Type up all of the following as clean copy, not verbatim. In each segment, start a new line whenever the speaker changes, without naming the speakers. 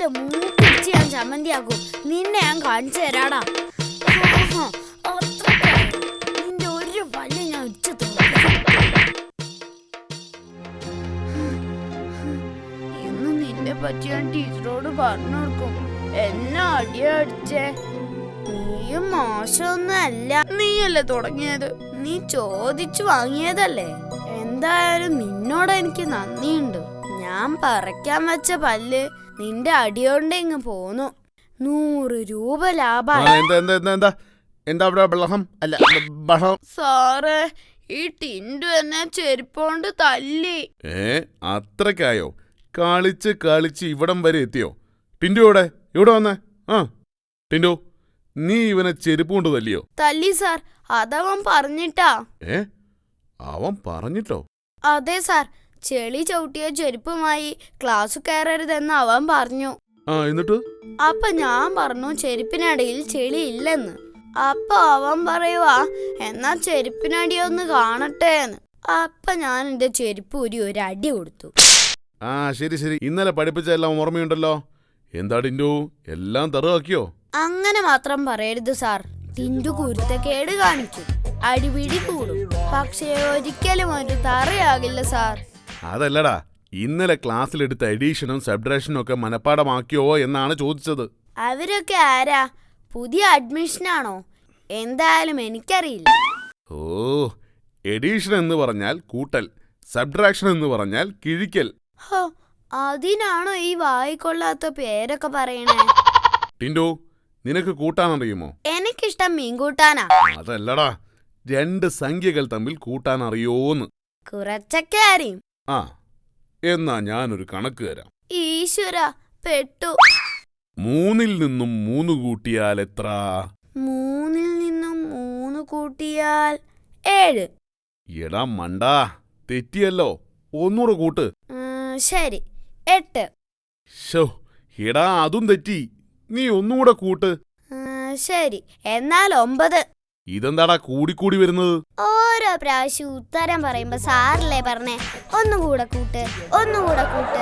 മൂക്കിടിച്ച് ഞാൻ ചമ്മന്തിയാക്കും. നിന്നെ ഞാൻ കാണിച്ചു തരാടാ. നിന്റെ ഒരു പല്ല് ഞാൻ ഇടിച്ചു ഇന്ന് നിന്നെ പറ്റി ഞാൻ ടീച്ചറോട് പറഞ്ഞു കൊടുക്കും. എന്നെ അടിയടിച്ചേ. നീയും മോശമൊന്നും അല്ല. നീയല്ലേ തുടങ്ങിയത്. നീ ചോദിച്ചു വാങ്ങിയതല്ലേ. എന്തായാലും നിന്നോട് എനിക്ക് നന്ദിയുണ്ട്. ഞാൻ പറിക്കാൻ വെച്ച പല്ല് നിന്റെ അടിയോണ്ട് ഇങ്ങ് പോന്നു. 100 രൂപ ലാഭമായി. സാറേ, ഈ ടിൻഡു എന്നെ ചെരുപ്പോണ്ട് തല്ലി.
അത്രക്കായോ? കളിച്ച് കളിച്ച് ഇവിടം വരെ എത്തിയോ? ടിൻഡു ഇവിടെ വന്നേ. ടിൻഡു, നീ ഇവനെ ചെരുപ്പ് കൊണ്ട് തല്ലിയോ?
തല്ലി സാർ. അതവൻ പറഞ്ഞിട്ടാ.
അവൻ പറഞ്ഞിട്ടോ?
അതെ സാർ. ചെളി ചവിട്ടിയ ചെരുപ്പുമായി ക്ലാസ് കയറരുതെന്ന് അവൻ പറഞ്ഞു.
എന്നിട്ട്?
അപ്പൊ ഞാൻ പറഞ്ഞു ചെരുപ്പിനടിയിൽ ചെളി ഇല്ലെന്ന്. അപ്പൊ അവൻ പറയുവാ, എന്നാ ചെരുപ്പിനടിയൊന്ന് കാണട്ടെ എന്ന്. അപ്പൊ ഞാൻ എന്റെ ചെരുപ്പ് ഒരു അടി കൊടുത്തു.
ശരി ശരി. ഇന്നലെ പഠിപ്പിച്ചെല്ലാം ഓർമ്മയുണ്ടല്ലോ. എന്താ ടിൻഡു, എല്ലാം തറുവാക്കിയോ?
അങ്ങനെ മാത്രം പറയരുത് സാർ. ടിൻഡു കുരുത്തക്കേട് കാണിക്കും, അടിപിടി കൂടും. പക്ഷേ ഒരിക്കലും ഒരു തറയാകില്ല സാർ.
അതല്ലടാ, ഇന്നലെ ക്ലാസ്സിലെടുത്ത എഡീഷനും സബ്ട്രാക്ഷനും ഒക്കെ മനപ്പാടമാക്കിയോ എന്നാണ് ചോദിച്ചത്.
അവരൊക്കെ ആരാ? പുതിയ അഡ്മിഷനാണോ? എന്തായാലും എനിക്കറിയില്ല.
എഡീഷൻ എന്ന് പറഞ്ഞാൽ കൂട്ടൽ, സബ്ട്രാക്ഷൻ എന്ന് പറഞ്ഞാൽ കിഴിക്കൽ.
അതിനാണോ ഈ വായിക്കൊള്ളാത്ത പേരൊക്കെ പറയണേ?
ടിൻഡു, നിനക്ക് കൂട്ടാനറിയുമോ?
എനിക്കിഷ്ടം മീൻ കൂട്ടാനാ.
അതല്ലടാ, 2 സംഖ്യകൾ തമ്മിൽ കൂട്ടാൻ അറിയോന്ന്.
കുറച്ചൊക്കെ അറിയും.
എന്നാ ഞാനൊരു കണക്ക് തരാം.
ഈശ്വര, പെട്ടു.
3ൽ നിന്നും 3 കൂട്ടിയാൽ എത്ര?
3ൽ നിന്നും 3 കൂട്ടിയാൽ 7.
എടാ മണ്ടാ, തെറ്റിയല്ലോ. 100 കൂട്ട്.
ശരി, 8.
എടാ, അതും തെറ്റി. നീ ഒന്നുകൂടെ കൂട്ട്.
ശരി, എന്നാൽ 9.
ഇതെന്താടാ കൂടിക്കൂടി വരുന്നത്?
ഓരോ പ്രാവശ്യം ഉത്തരം പറയുമ്പോ സാറല്ലേ പറഞ്ഞേ ഒന്നുകൂടെ കൂട്ട്, ഒന്നുകൂടെ കൂട്ട്.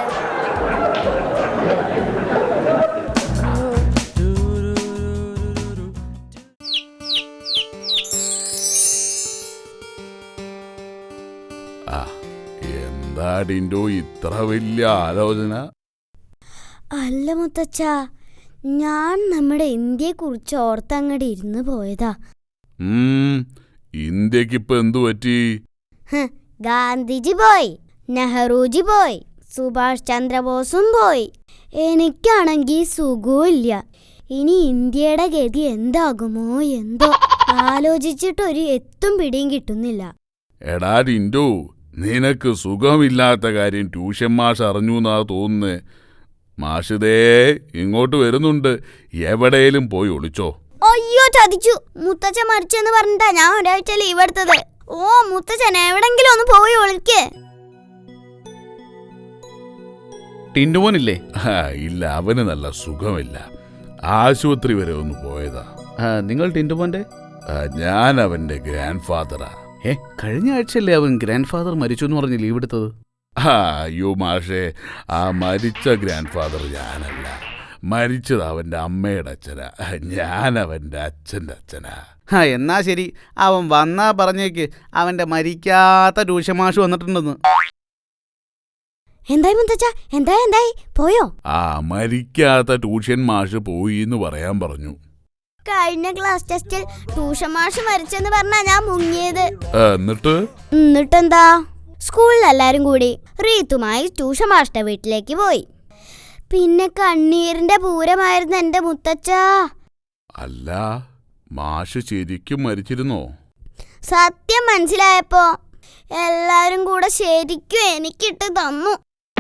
എന്താ ടിൻഡു ഇത്ര വലിയ ആലോചന?
അല്ല മുത്തച്ഛ, ഞാൻ നമ്മുടെ ഇന്ത്യയെ കുറിച്ച് ഓർത്തങ്ങടെ ഇരുന്ന് പോയതാ.
ഇന്ത്യക്കിപ്പോ എന്തു പറ്റി?
ഗാന്ധിജി പോയി, നെഹ്റുജി പോയി, സുഭാഷ് ചന്ദ്രബോസും പോയി. എനിക്കാണെങ്കിൽ സുഖമില്ല. ഇനി ഇന്ത്യയുടെ ഗതി എന്താകുമോ എന്തോ. ആലോചിച്ചിട്ടൊരു എത്തും പിടിയും കിട്ടുന്നില്ല.
എടാ ടിൻഡു, നിനക്ക് സുഖമില്ലാത്ത കാര്യം ട്യൂഷൻ മാഷ് അറിഞ്ഞൂന്നാ തോന്നുന്നേ. മാഷിതേ ഇങ്ങോട്ട് വരുന്നുണ്ട്. എവിടെയും പോയി ഒളിച്ചോ.
അയ്യോ, ചതിച്ചു. മുത്തച്ഛൻ മരിച്ചെന്ന് പറഞ്ഞിട്ടാ ഞാൻ ഒരാഴ്ച ലീവ് എടുത്തത്. മുത്തച്ഛൻ എവിടെങ്കിലും ഒന്ന് പോയി ഒളിക്കേ.
ടിൻഡുമോനില്ലേ?
ഇല്ല, അവന് നല്ല സുഖമില്ല. ആശുപത്രി വരെ ഒന്ന് പോയതാ.
നിങ്ങൾ ടിൻഡുമോന്റെ?
ഞാൻ അവന്റെ ഗ്രാൻഡ് ഫാദറാ.
കഴിഞ്ഞ ആഴ്ചയല്ലേ അവൻ ഗ്രാൻഡ് ഫാദർ മരിച്ചു എന്ന് പറഞ്ഞ് ലീവ് എടുത്തത്?
അയ്യോ മാഷേ, ആ മരിച്ച ഗ്രാൻഡ് ഫാദർ ഞാനല്ല. മരിച്ചത് അവന്റെ അമ്മയുടെ അച്ഛനാ. ഞാൻ അവന്റെ അച്ഛൻ്റെ അച്ഛനാ.
എന്നാ ശരി, അവൻ വന്നാ പറഞ്ഞേക്ക് അവന്റെ മരിക്കാത്ത ട്യൂഷൻ മാഷ് വന്നിട്ടുണ്ടെന്ന്.
എന്തായി മുത്തച്ഛ, എന്തായി പോയോ?
മരിക്കാത്ത ട്യൂഷൻ മാഷ് പോയി എന്ന് പറയാൻ പറഞ്ഞു.
കഴിഞ്ഞ ക്ലാസ് ടെസ്റ്റിൽ ട്യൂഷൻ മാഷ് മരിച്ചെന്ന് പറഞ്ഞാ ഞാൻ മുങ്ങിയത്.
എന്നിട്ടെന്താ?
സ്കൂളിൽ എല്ലാരും കൂടി റീത്തുമായി ട്യൂഷൻ മാഷിന്റെ വീട്ടിലേക്ക് പോയി. പിന്നെ കണ്ണീരിന്റെ പൂരമായിരുന്നു എന്റെ മുത്തച്ഛ.
അല്ല, മാഷ് ശരിക്കും മരിച്ചിരുന്നോ?
സത്യം മനസ്സിലായപ്പോ എല്ലാരും കൂടെ ശരിക്കും എനിക്കിട്ട് തന്നു.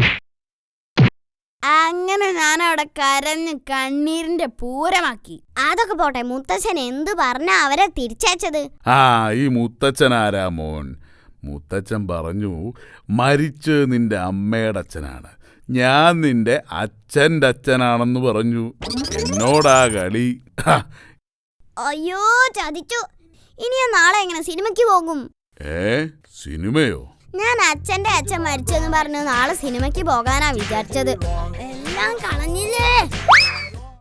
അങ്ങനെ ഞാൻ അവിടെ കരഞ്ഞ് കണ്ണീരിന്റെ പൂരമാക്കി. അതൊക്കെ പോട്ടെ, മുത്തച്ഛൻ എന്തു പറഞ്ഞ അവരെ തിരിച്ചയച്ചത്?
ഈ മുത്തച്ഛൻ ആരാ മോൻ? മുത്തച്ഛൻ പറഞ്ഞു മരിച്ച് നിന്റെ അമ്മയുടെ അച്ഛനാണ്, ഞാൻ നിന്റെ അച്ഛൻ്റെ അച്ഛനാണെന്ന് പറഞ്ഞു. എന്നോടാ കളി.
അയ്യോ, ചതിച്ചു. ഇനി ഞാൻ നാളെ എങ്ങനെ സിനിമയ്ക്ക് പോകും?
സിനിമയോ?
ഞാൻ അച്ഛന്റെ അച്ഛൻ മരിച്ചെന്ന് പറഞ്ഞു നാളെ സിനിമയ്ക്ക് പോകാനാ വിചാരിച്ചത്. എല്ലാം കളഞ്ഞില്ല.